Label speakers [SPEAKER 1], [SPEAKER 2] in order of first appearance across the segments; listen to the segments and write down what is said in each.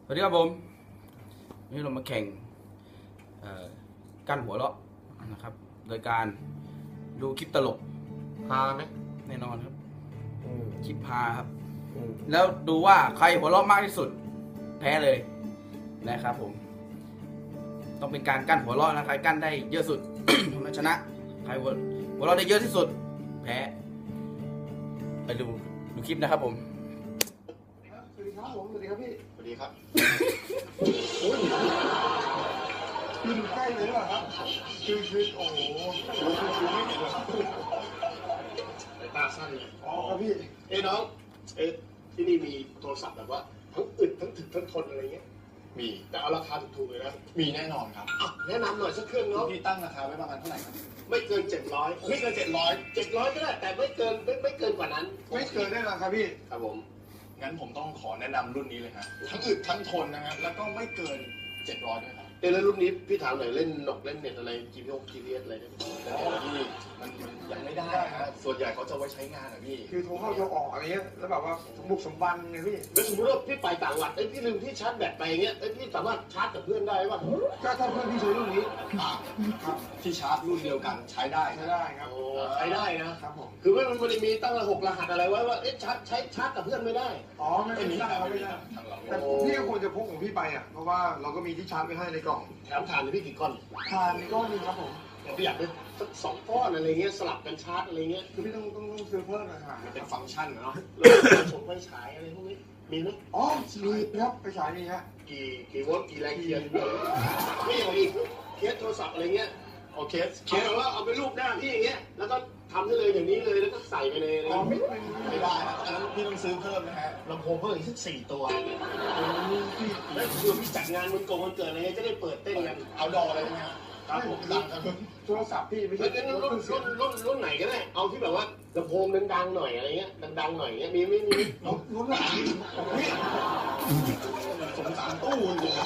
[SPEAKER 1] สวัสดีครับผมวันนี้เรามาแข่งกั้นหัวเราะนะครับโดยการดูคลิปตลก
[SPEAKER 2] ฮาไหม
[SPEAKER 1] แน่นอนครับ คลิปฮาครับ
[SPEAKER 2] อืม
[SPEAKER 1] แล้วดูว่าใครหัวเราะมากที่สุดแพ้เลยนะครับผมต้องเป็นการกั้นหัวเราะนะใครกั้นได้เยอะสุด มันชนะใครหัวเราะได้เยอะที่สุดแพ้ไปดูคลิปนะครับผม
[SPEAKER 2] สวัสดีครับผมสวัสดีครับพี่สวัสดีครับ
[SPEAKER 3] โอ้ยขึ้นใกล้เลยหรือเปล่าครับคือโอ้โหคือไม่เห็นหรอครับ
[SPEAKER 2] สายตาสั้นเลย
[SPEAKER 3] อ๋อครับพี่
[SPEAKER 2] เอ้น้องเอ้ที่นี่มีโทรศัพท์แบบว่าทั้งอึดทั้งถึกทั้งทนอะไรเงี้ยมีแต่เอาราคาถูกๆเลยนะ
[SPEAKER 4] มีแน่นอนครับ
[SPEAKER 2] อ่ะแนะนำหน่อยสักเครื่องเนาะ
[SPEAKER 4] พี่ตั้งราคาไว้ประมาณเท่าไหร่ครับ
[SPEAKER 2] ไม่เกิน700ไม่เกิน700ก็ได้แต่ไม่เกินกว่านั้น
[SPEAKER 3] ไม่เกินแน่นอนครับพี่
[SPEAKER 2] ครับผม
[SPEAKER 4] งั้นผมต้องขอแนะนำรุ่นนี้เลยครับทั้งอึดทั้งทนนะฮะแล้วก็ไม่เกิน700ด้วยครับ
[SPEAKER 2] เอ้แล้วรุ่นนี้พี่ถามหน่อยเล่นนกเล่นเน็ตอะไร GPS อะไรได้ไหม
[SPEAKER 4] แต่พี่มันยังไม่ได้ฮะส่วนใหญ่เขาจะไว้ใช้งานอะพี่
[SPEAKER 3] คือโทรเข้าโทรออกอะไรเงี้ยแล้วแบบว่าสมบุกสมบันไงพี่
[SPEAKER 2] แล้วสมมติว่าพี่ไปต่างจังหวัดพี่ลืมที่ชาร์จแบตไปเงี้ยพี่สามารถชาร์จกับเพื่อนได้ป่ะ
[SPEAKER 3] ก็ถ้าเพื่อนพี่ใช้รุ่นนี้
[SPEAKER 4] ครับที่ชาร์จรุ่นเดียวกันใช้ได้
[SPEAKER 3] ใช้ได้ครับ
[SPEAKER 2] โอ้ใช้ได้นะ
[SPEAKER 3] ครับผม
[SPEAKER 2] คือมันไม่ได้มีตั้ง6รหัสอะไรไว้ว่าชาร์จกับเพื่อนไม่ได้
[SPEAKER 3] อ๋อไม่
[SPEAKER 4] ไม่มี
[SPEAKER 3] ได้
[SPEAKER 4] ครับ
[SPEAKER 3] ไม่ได้
[SPEAKER 4] ทางเรา
[SPEAKER 3] แต่พี่ก็ควรจะพกของพี่ไปอ่ะเพราะว่าเราก็มีที่ชาร์จไว้ให้ในกล่อง
[SPEAKER 2] แถมถ่านพี่กี่ก้อน
[SPEAKER 3] ทานนี่ก็มีครับผม
[SPEAKER 2] พี่อยากได้สัก2 ก้อนอะไรเงี้ยสลับกันชาร์จอะไรเงี้ย
[SPEAKER 3] คือพี่ต้องซื้อเพิ่มนะครั
[SPEAKER 4] มันเป็นฟังก์ชันนะเนาะ
[SPEAKER 2] แล้วชมไฟฉายอะไรพวกนี้มีไหม
[SPEAKER 3] อ๋อมีครับไปฉายนี่ฮะ
[SPEAKER 2] กี่โวลต์กี่แรงเทียนไม่อย่างอีกเคสโทรศัพท์อะไรเงี้ย
[SPEAKER 4] โอเค
[SPEAKER 2] เคสแบบว่าเอาไปรูปหน้าพี่อย่างเงี้ยแล้วก็ทำได้เลยอย่างนี้เลยแล้วก็ใส่ไปใน
[SPEAKER 3] อ๋อไม่
[SPEAKER 4] ไม่ได้นะอันนั้นพี่ต้องซื้อเพิ่มนะฮะ
[SPEAKER 2] ลำโพงเพิ่มอีกสัก4 ตัวแล้วคือพี่จัดงานวันเกิดอะไรเงี้ยจะได้เปิดเต้นกัน
[SPEAKER 4] เอาดออะไรใช่ไหมครับ
[SPEAKER 2] ครับผม
[SPEAKER 4] ดังครับ
[SPEAKER 3] โทรศัพท์พี่ไม่
[SPEAKER 2] แล้
[SPEAKER 3] ใช่
[SPEAKER 2] วรุ่นไหนก็ได้ เอาที่แบบว่าลำโพงดังๆหน่อยอะไรเงี้ยดังๆหน่อยเงี้ยมีไม่มี
[SPEAKER 3] รุ่นไหนพี่
[SPEAKER 4] สงสารตู้จริง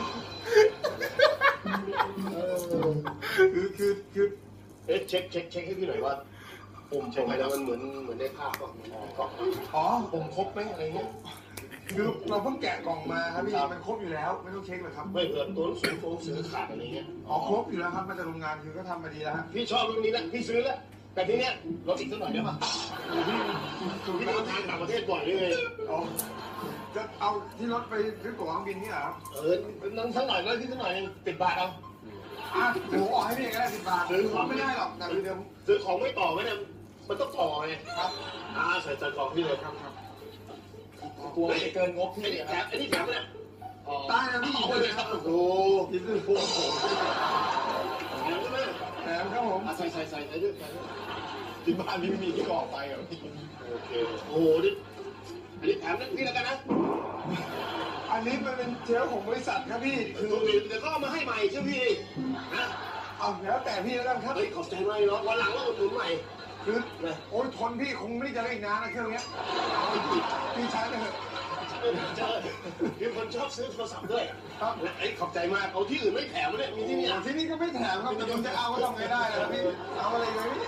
[SPEAKER 3] คือ
[SPEAKER 2] เอ๊ะเช็คให้พี่หน่อยว่าปุ่มเช็คไปแล้วมันเหมือนได้ภาพป่ะก็
[SPEAKER 3] อ๋อ
[SPEAKER 2] ปุ่มครบไหมอะไรเงี้ย
[SPEAKER 3] คือเราเพิ่งแกะกล่องมาครับพี่มันครบอยู่แล้วไม่ต้องเช็คหรอกครับ
[SPEAKER 2] ไม่เกิดตัวหนังสือขาดอะไรเงี้ย
[SPEAKER 3] อ๋อครบอยู่แล้วครับมาจากโรงงานคือก็ทำมาดีแล้วฮะ
[SPEAKER 2] พี่ชอบรุ่นนี้แล้วพี่ซื้อแล้วแต่ทีเนี้ยลดอีกสักหน่อยได้ป่ะ
[SPEAKER 3] พี่
[SPEAKER 2] พี่เดินทางต่างประเทศบ่อยเลย
[SPEAKER 3] อ๋อจะเอาที่รถไปซื้อตั๋วเครื่องบินนี่เหรอครับ
[SPEAKER 2] นั่งสักหน่อยแล้วที่สักหน่อย10 บาทเอา
[SPEAKER 3] อ่ะเดี๋ยวผมออกให้พี่ก็ได้10 บาทซื้อของไม่ได้หรอกแต่เดี๋ยว
[SPEAKER 2] ซื้อของไม่ต่อไหมเนี่ยมันต้องต่อไง
[SPEAKER 3] ครับ
[SPEAKER 2] ใส่กล่องพี่เลย
[SPEAKER 3] ครับครับ
[SPEAKER 4] กลัวจะเกินงบ
[SPEAKER 2] ไอ้
[SPEAKER 4] พี่
[SPEAKER 2] นี่
[SPEAKER 4] ค
[SPEAKER 2] แถ
[SPEAKER 4] รับ
[SPEAKER 2] มไอ้นี่แถมเนี่ย
[SPEAKER 3] ได้นะพี่
[SPEAKER 2] เอาไปเลยครับโอ้โห
[SPEAKER 3] ที่ซื้อพวงผม
[SPEAKER 2] แถมใช่ไหม
[SPEAKER 3] แถมครับผม
[SPEAKER 2] ใส่ด้วย
[SPEAKER 4] ที่บ้านพี่ไม่มีที่กรอกไปเหรอพี่
[SPEAKER 2] โอเคโอ้โหนี่อันนี้แถมนั่นพี่แล้วกันนะ
[SPEAKER 3] อันนี้มันเป็นเชลของบริษัทครับพี่
[SPEAKER 2] คื
[SPEAKER 3] คือ อ
[SPEAKER 2] เดี๋ยวก็เอามาให้ใหม่เชื่อพี่นะ
[SPEAKER 3] เอาแล้วแต่พี่แล้วกันครับ
[SPEAKER 2] เฮ้ยขอบใจมากเนาะวันหลังเราอุดหนุนใหม่
[SPEAKER 3] คือ
[SPEAKER 2] นะ
[SPEAKER 3] โอ้ยทนพี่คงไม่ได้จะได้อีกนานนะเครื่องเนี้ยพี่ใช้ไปเถอะ
[SPEAKER 2] เจอมีคนชอบซื้อโทรศัพท์ด้วย
[SPEAKER 3] ครับ
[SPEAKER 2] ไอ้ขอบใจมากเอาที่อื่นไม่แถมเลยมีที่นี่
[SPEAKER 3] ที่นี่ก็ไม่แถมครับแต่ผมจะเอาก็ทำไงได้ล่ะพี่เอาอะไรเลยพี่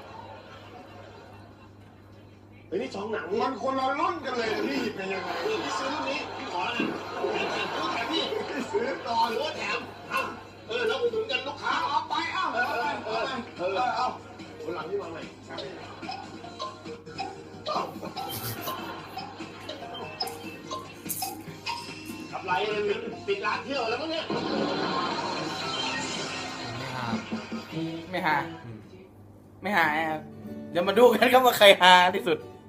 [SPEAKER 2] เฮ้ยนี่ช่องหนังนี่
[SPEAKER 3] มันคนละรุ่นกันเลยนะพี่เป็นยังไง
[SPEAKER 2] พี่ซื้อรุ่นนี้พี่ขอแล้วแถมพี่
[SPEAKER 3] ซื้อต่อ
[SPEAKER 2] หรือว่าแถมแล้วอุดหนุนกันลูกค้า
[SPEAKER 3] เอาไปเอาเอา
[SPEAKER 2] วันหลังที่มาใหม่ขับไรปิดร้านเที่ยวแล้วมั้งเนี่ย
[SPEAKER 1] ไม่หาครับเดี๋ยวมาดูกันครับว่าใครฮาที่สุด